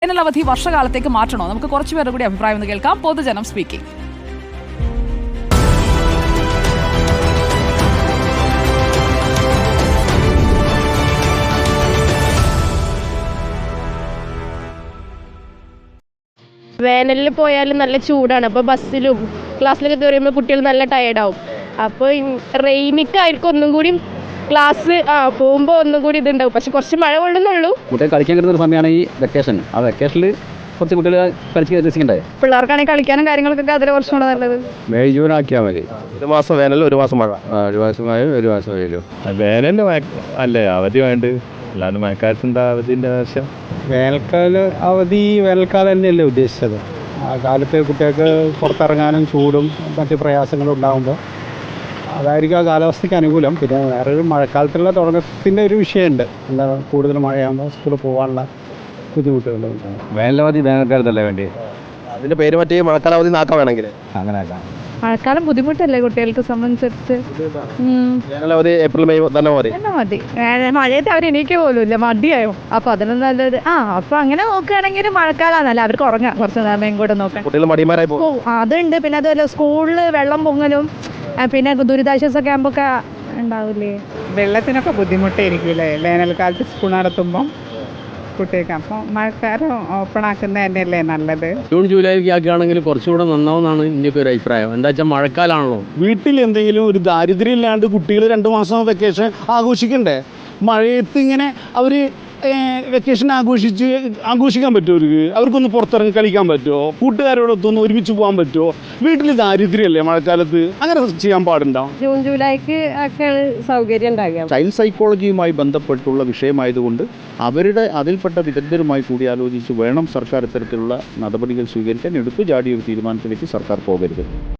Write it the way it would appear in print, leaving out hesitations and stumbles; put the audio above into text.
വേനലവധി വർഷകാലത്തേക്ക് മാറ്റണോ? നമുക്ക് കുറച്ചുപേരുടെ കൂടി അഭിപ്രായം ഒന്ന് കേൾക്കാം. പൊതുജനം സ്പീക്കിംഗ്. വേനലിൽ പോയാലും നല്ല ചൂടാണ്. അപ്പോൾ ബസ്സിലും ക്ലാസ്സിലൊക്കെ കയറിയുമ്പോൾ കുട്ടികൾ നല്ല ടയേർഡാവും. അപ്പോൾ റെയിനിക്കായിരിക്കും ഒന്നും കൂടി ക്ലാസ് പോകുമ്പോൾ ഒന്നും കൂടി ഇതുണ്ടാവും. പക്ഷെ കുറച്ച് മഴ കൊള്ളുന്നുള്ളൂ. കുട്ടികൾ കളിക്കാൻ കിട്ടുന്ന ഒരു സമയമാണ് ഈ വെക്കേഷൻ. ആ വെക്കേഷനിൽ കുറച്ച് കുട്ടികൾ കളിച്ച് രസിക്കണ്ടേ? പിള്ളേർക്കാണെങ്കിൽ കളിക്കാനും കാര്യങ്ങൾക്കൊക്കെ അതിൽ കുറച്ചും കൂടെ നല്ലത് മെയ് ജൂൺ ആക്കിയാൽ മതി. ഒരു മാസം വേനൽ, ഒരു മാസം മഴ. ഒരു മാസം മഴ, ഒരു മാസം വെയിലും. വേനലിന് അല്ലേ അവധി വേണ്ട, അല്ലാണ്ട് മഴക്കാലത്തിൻ്റെ അവധിൻ്റെ ആവശ്യം. വേനൽക്കാല അവധി വേനൽക്കാലം തന്നെയല്ലേ ഉദ്ദേശിച്ചത്. ആ കാലത്ത് കുട്ടികൾക്ക് പുറത്തിറങ്ങാനും ചൂടും മറ്റ് പ്രയാസങ്ങളും ഉണ്ടാകുമ്പോൾ അതായിരിക്കും ആ കാലാവസ്ഥയ്ക്ക് അനുകൂലം. പിന്നെ വേറൊരു മഴക്കാലത്തുള്ള തുടക്കത്തിൻ്റെ ഒരു വിഷയമുണ്ട്. എന്താ കൂടുതൽ മഴയാകുമ്പോൾ സ്കൂളിൽ പോകാനുള്ള ബുദ്ധിമുട്ടുകളുണ്ടാകും. വേനലവധി വേനൽക്കാലത്തല്ലേ വേണ്ടി? അതിൻ്റെ പേര് മറ്റേ മഴക്കാലാവധി നാക്കാൻ വേണമെങ്കിൽ അങ്ങനെ ആക്കാം. മഴക്കാലം ബുദ്ധിമുട്ടല്ലേ കുട്ടികൾക്ക് സംബന്ധിച്ചിട്ട്? വേനലവധി ഏപ്രിൽ മെയ് തന്നെ മതി. എന്നാ മതി. മഴയത്ത് അവർ എണീക്കുക പോലും ഇല്ല, മടിയായോ. അപ്പോൾ അതിന് നല്ലത് അപ്പോൾ അങ്ങനെ നോക്കുകയാണെങ്കിൽ മഴക്കാലമാണല്ലോ, അവർക്ക് ഉറങ്ങാം കുറച്ച് സമയം കൂടെ നോക്കാം. കുട്ടികൾ മടിമാരായി പോകും. അതുണ്ട്. പിന്നെ അതുപോലെ സ്കൂളിൽ വെള്ളം പൊങ്ങലും പിന്നെ ദുരിതാശ്വാസ ക്യാമ്പൊക്കെ ഉണ്ടാവില്ലേ. വെള്ളത്തിനൊക്കെ ബുദ്ധിമുട്ടായിരിക്കില്ലേ വേനൽക്കാലത്ത് സ്കൂൾ നടത്തുമ്പം കുട്ടികൾക്ക്. അപ്പോൾ മഴക്കാലം ഓപ്പൺ ആക്കുന്നത് തന്നെയല്ലേ നല്ലത്. ജൂൺ ജൂലൈക്ക് ആക്കുകയാണെങ്കിൽ കുറച്ചുകൂടെ നന്നാവുന്നതാണ് എൻ്റെ ഒരു അഭിപ്രായം. എന്താ വെച്ചാൽ മഴക്കാലമാണല്ലോ. വീട്ടിൽ എന്തെങ്കിലും ഒരു ദാരിദ്ര്യം ഇല്ലാണ്ട് കുട്ടികൾ 2 മാസം വെക്കേഷൻ ആഘോഷിക്കണ്ടേ? മഴയത്ത് ഇങ്ങനെ അവർ വെക്കേഷൻ ആഘോഷിക്കാൻ പറ്റുമോ? അവർക്കൊന്ന് പുറത്തിറങ്ങി കളിക്കാൻ പറ്റുമോ? കൂട്ടുകാരോടൊത്തൊന്ന് ഒരുമിച്ച് പോകാൻ പറ്റുമോ? വീട്ടിൽ ദാരിദ്ര്യമല്ലേ മഴക്കാലത്ത്? അങ്ങനെ ചെയ്യാൻ പാടുണ്ടോ? ജൂൺ ജൂലൈക്ക് ഒക്കെ സൗകര്യം ഉണ്ടാകുക. ചൈൽഡ് സൈക്കോളജിയുമായി ബന്ധപ്പെട്ടുള്ള വിഷയമായതുകൊണ്ട് അതിൽപ്പെട്ട വിദഗ്ധരുമായി കൂടി ആലോചിച്ച് വേണം സർക്കാർ ഇത്തരത്തിലുള്ള നടപടികൾ സ്വീകരിക്കാൻ. എടുത്തു ചാടിയ ഒരു തീരുമാനത്തിലേക്ക് സർക്കാർ പോകരുത്.